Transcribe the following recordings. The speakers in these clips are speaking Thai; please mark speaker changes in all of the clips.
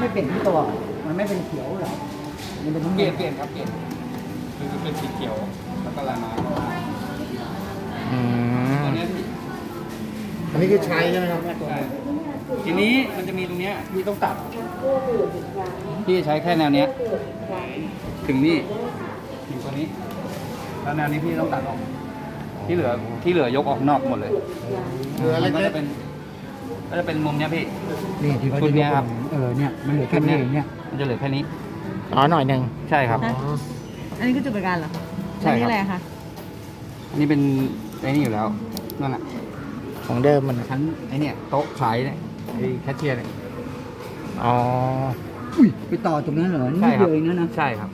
Speaker 1: ไม่เปลี่ยนที่ตัวมันไม่เป็นเขียวหรอมันเป็นน้ำ
Speaker 2: เป
Speaker 1: เงิ
Speaker 2: ลี่ยน
Speaker 1: น
Speaker 2: ครับเปลี่ยนคือเป็นสีเขียวแล้วก็ลายไม้
Speaker 3: อืม
Speaker 2: อันนี้พี่
Speaker 4: อันนี้คือใช้ใช่ไหมครับ
Speaker 2: ใช่ทีนี้มันจะมีตรงเนี้ยพี่ต้องตัดพี่ใช้แค่แนวเนี้ยถึงนี่ถึงตัวนี้แล้วแนวนี้พี่ต้องตัดออกที่เหลือยกออกนอกหมดเลย
Speaker 4: เหลือ
Speaker 2: มั
Speaker 4: เล็
Speaker 2: นก็
Speaker 4: ก
Speaker 2: จะเป็นมุมเนี้ยพี่
Speaker 1: นี่ที่เขา
Speaker 2: ชุดเนี้ยครับ
Speaker 1: เนี่ยมันเหลือแค่นี้เองเนี่ย
Speaker 2: มันจะเหลือแค่นี้
Speaker 3: อ๋อหน่อยหนึ่ง
Speaker 2: ใช่ครับ
Speaker 4: ๆอ๋อ
Speaker 5: อันนี้คือจุดบริการเหรอ
Speaker 2: ใช่
Speaker 5: อัน
Speaker 2: ครับ
Speaker 5: นี้อะไรคะ
Speaker 2: อันนี้เป็นไอ้นี่อยู่แล้วนั่นแหละ
Speaker 3: ของเดิมมัน
Speaker 2: ชั้นไอ้เนี่ยโต๊ะขายเนี่ยไอ้แคชเชียร์เนี่ย
Speaker 3: อ๋อ
Speaker 1: อุ้ยไปต่อตรงนั้นเหรอนี่
Speaker 2: ใช่ครั
Speaker 1: เดียวเองนะ
Speaker 2: ใช่ครับ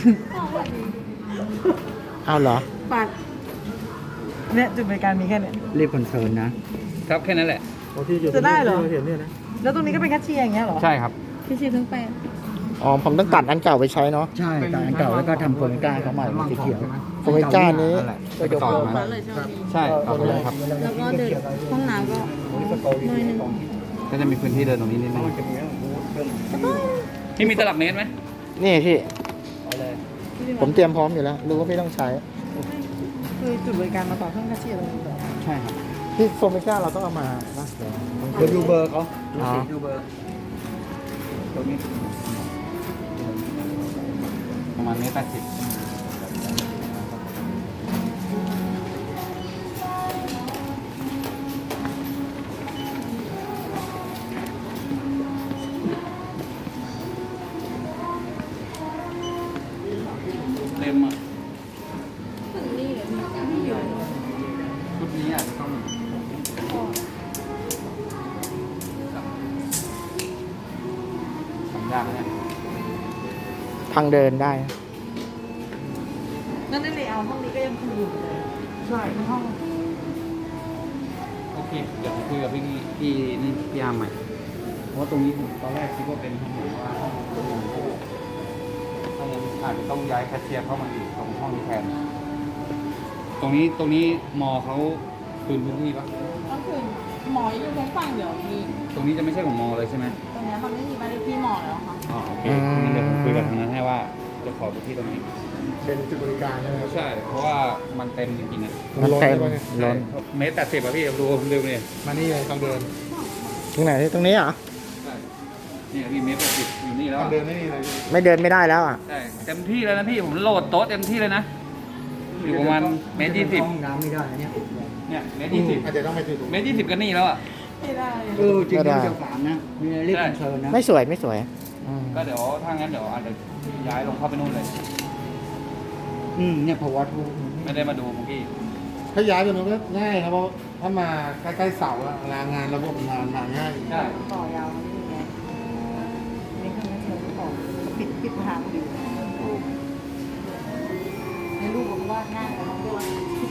Speaker 3: เอาเหรอ
Speaker 5: ปัดเนี่ยจุดบริการมีแค่เนี้ย
Speaker 1: รีบคอนเซิร์นนะครับ
Speaker 2: แค่นั้นแหละ
Speaker 4: โอ้ที่อยู่
Speaker 5: จะได้เหรอ
Speaker 4: ที่าเห็นเนี่ยนะ
Speaker 5: แล้วตรงนี้ก็เป็นแคชเชียร์อย่างเงี้ยเหรอ
Speaker 2: ใช่ครับ
Speaker 5: พี่ชีทั้งแปด
Speaker 3: อ๋อผมต้องตัดอันเก่าไปใช้เนาะ
Speaker 1: ใช่แต่อันเก่าแล้วก็ทำโครงการเขาใหม่เป็นสีเขียว
Speaker 3: โครงการนี้
Speaker 2: นั่นแหละไปต่อมา
Speaker 5: เลยใช่ไหมพี่
Speaker 2: ใช่ต่อไปเลยครับ
Speaker 5: แล้วก็เดินห้องน้ำก็น้อยหนึง
Speaker 2: ก็จะมีพื้นที่เดินตรงนี้นิดนึงที่มีตลับเมตรไหม
Speaker 3: นี่พี่
Speaker 2: เอาเลย
Speaker 3: ผมเตรียมพร้อมอยู่แล้ว รู้ว่าพี่ต้องใช้
Speaker 5: คือจุดบริการมาต่อเครื่องแคชเชียร์ตรงนี้
Speaker 2: ใช่ครับ
Speaker 3: พี่โฟมิก้าเราต้องเอามาปะ
Speaker 1: เดี๋ยวดูเบอร์เขา
Speaker 3: อ๋อ
Speaker 2: ดูเบอร์ตรงนี้ประมาณเมตร80เต็มอ่ะชุดนี้อาจจะต้องทำยากนะเนี่ย
Speaker 3: ทางเดินได้
Speaker 5: นั่นในเลเยอร์ห้องนี้ก็ยังคงอยู่เลยใช่ในห้อง
Speaker 2: โอเค เดี๋ยวผมคุยกับพี่นี่พี่ยามใหม่ เพราะว่าตรงนี้ผมตอนแรกคิดว่าเป็นห้องหรือว่าห้องถ้ายังอาจจะต้องย้ายแคชเชียร์เข้ามาอีกตรงห้องนี้แทน ตรงนี้มอเขาคืนพื้นที่ปะ
Speaker 5: ก็คือหมออยู่ทั้งฝั่งเดี๋ยวมี
Speaker 2: ตรงนี้จะไม่ใช่ของมอเลยใช่ไหม
Speaker 5: ตรงเนี้ยมันไม่มีบ้านเลขที่หมอแล้วค่ะ
Speaker 2: อ๋อโอเคงั้นเดี๋ยวผมคุยกับทางนั้นให้ว่าจะขอพื้นที่ตรงนี้
Speaker 4: เป็นจุดบริการใช่ไหมครับ
Speaker 2: ใช่ เพราะว่ามันเต็มจริงๆนะ
Speaker 3: มันเต็ม
Speaker 4: ล้นใช่ไหม
Speaker 3: ล้น
Speaker 2: เมตร80อะพี่ดูเร็วเนี่ย
Speaker 4: มานี่เลยทางเดิน
Speaker 3: ตรงไหนตรงนี้เหรอ
Speaker 2: ใช่นี่พี่เมตร80อยู่นี่แล้ว
Speaker 4: ทาง
Speaker 2: อะ
Speaker 4: เดินไม่มีอะไร
Speaker 3: ไม่เดินไม่ได้แล้วอ่ะ
Speaker 2: ใช่เต็มที่แล้วนะพี่ผมโหลดโต๊ะเต็มที่เลยนะ อยู่ประมาณเมตร20
Speaker 1: ห้องน้ำไม่ได้เนี่ย
Speaker 2: เนี่ยเมตร
Speaker 4: อาจจะต้องไปถึง
Speaker 2: 20เมตร20ก็นี่แล้วอ่ะ
Speaker 5: ไม่ได้
Speaker 1: จริง
Speaker 3: ไม่ได้
Speaker 1: ๆเจ้าสามนะมีรีบคอนเซิร์นนะ
Speaker 3: ไม่สวยไม่สวยอืม
Speaker 2: ก็เดี๋ยวถ้างั้นเดี๋ยวอาจจะย้ายลงเข้าไปนู่นเลย
Speaker 1: เนี่ยพอวัดทุก
Speaker 2: ไม่ได้มาดูเมื่อกี้
Speaker 4: ถ้าย้ายไปมันก็ง่ายครับเพราะถ้ามาใกล้ๆเสาอะเวลางานระบบงานมาง่าย
Speaker 2: ใช่
Speaker 5: ต่อยาวนี่ไงนี่เครื่องแคชเชียร์ต่อปิดทางอยู่ในรูปผมวาดง่ายแต่น้องวาด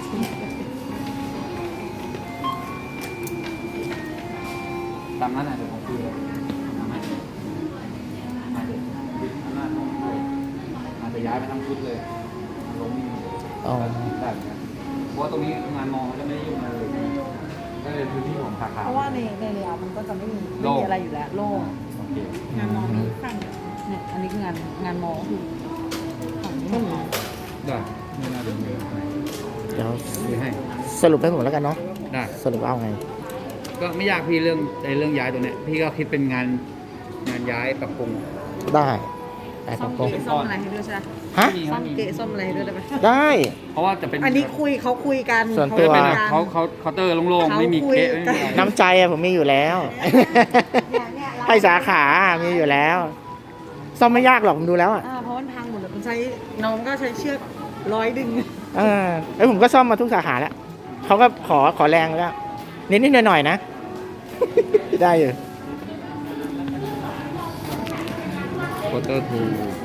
Speaker 2: ตามนั้นนะเดี๋ยวผมคุยเลยทำไหมอาจจะปิดหน้าห้องเลยอาจจะย้ายไปทั้งชุดเลยลงนี่
Speaker 3: อ๋อ
Speaker 2: ได้เหมือนกันเพราะว่าตรงนี้งานมองจะไม่ได้ยุ่งอะไรเลยก็เลยพื้นที่ของสาขา
Speaker 5: เพราะว่าในเลเยอร์มันก็จะไม่มีอะไรอยู่แล้วโล่ง
Speaker 2: โอเค
Speaker 5: งานมอมีฝั่งเนี่ยอันนี้คืองานมอคือฝั่งนี้ไม่มี
Speaker 2: ได้ไม่น่าจะมีอะไร
Speaker 3: เดี๋ยว
Speaker 2: คุยให้
Speaker 3: สรุปให้ผมแล้วกันเนาะ
Speaker 2: ได้
Speaker 3: สรุปเอาไง
Speaker 2: ก็ไม่ยากพี่เรื่องย้ายตัวเนี้ยพี่ก็คิดเป็นงานย้ายปรับปรุง
Speaker 3: ได้แต่
Speaker 5: ซ่อม
Speaker 3: ตรง
Speaker 5: เกะซ่อมอะไรให้ด้วยใช่ไหม
Speaker 3: ๆฮะ
Speaker 5: ซ่อมเกะซ่อมอะไรให้ด้วยได้ไหม
Speaker 3: ได้
Speaker 2: เพราะว่าจะเป็น
Speaker 5: อันนี้เขาคุยกัน
Speaker 3: ส่วนตัว
Speaker 5: เขา
Speaker 2: เป็น
Speaker 5: คุย
Speaker 2: แบบ
Speaker 5: กัน
Speaker 2: เคาน์เตอร์โล่งๆไม่มีเกะไม่มีอะไร
Speaker 3: น้ำใจอะผมมีอยู่แล้ว ให้สาขามีอยู่แล้ว ซ่อมไม่ยากหรอกผมดูแล้วอ่ะ
Speaker 5: เพราะมันพังหมดเลยมันใช้น้องก็ใช้เชือก100 ดึง
Speaker 3: แล้วผมก็ซ่อมมาทุกสาขาแล้วเขาก็ขอแรงแล้วนิดๆหน่อยๆนะ ได้อยู่
Speaker 2: เคาน์เตอร์ทู